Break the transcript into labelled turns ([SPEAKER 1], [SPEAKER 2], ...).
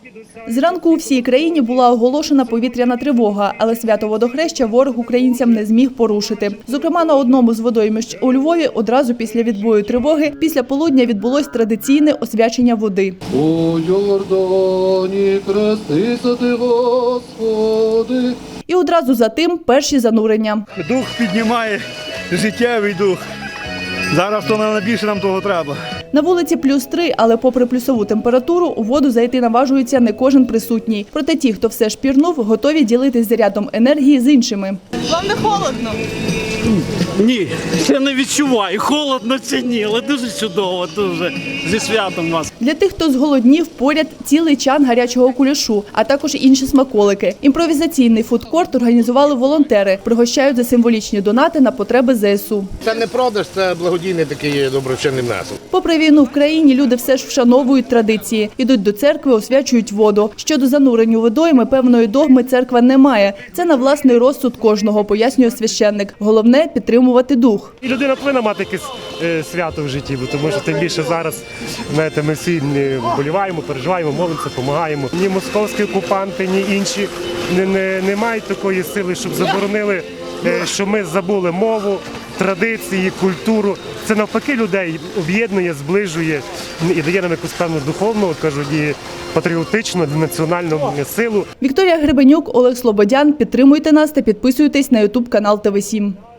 [SPEAKER 1] Зранку у всій країні була оголошена повітряна тривога, але свято Водохреща ворог українцям не зміг порушити. Зокрема, на одному з водоймищ у Львові одразу після відбою тривоги після полудня відбулось традиційне освячення води.
[SPEAKER 2] У Йордані хрестися ти, Господи.
[SPEAKER 1] І одразу за тим перші занурення.
[SPEAKER 3] Дух піднімає, життєвий дух. Зараз то найбільше нам того треба.
[SPEAKER 1] На вулиці +3, але попри плюсову температуру, у воду зайти наважується не кожен присутній. Проте ті, хто все ж пірнув, готові ділитись зарядом енергії з іншими.
[SPEAKER 4] Вам не холодно?
[SPEAKER 5] Ні, я не відчуваю, холодно чи ні, але дуже чудово, дуже. Зі святом вас.
[SPEAKER 1] Для тих, хто зголоднів, поряд цілий чан гарячого кулішу, а також інші смаколики. Імпровізаційний фудкорт організували волонтери, пригощають за символічні донати на потреби ЗСУ.
[SPEAKER 6] Це не продаж, це благодійний такий доброчинний внесок.
[SPEAKER 1] Попри війну в країні, люди все ж вшановують традиції. Ідуть до церкви, освячують воду. Щодо занурень у водойми, певної догми церква не має. Це на власний розсуд кожного, пояснює священник. Головне – підтримувати дух.
[SPEAKER 7] І людина повинна мати якесь свято в житті, тому що тим більше зараз, знаєте, ми всі вболіваємо, переживаємо, молимося, допомагаємо. Ні московські окупанти, ні інші не мають такої сили, щоб заборонили, що ми забули мову, традиції, культуру. Це навпаки людей об'єднує, зближує і дає нам якусь певну духовну, кажуть, і патріотичну, національну силу.
[SPEAKER 1] Вікторія Гребенюк, Олег Слободян. Підтримуйте нас та підписуйтесь на YouTube канал ТВ7.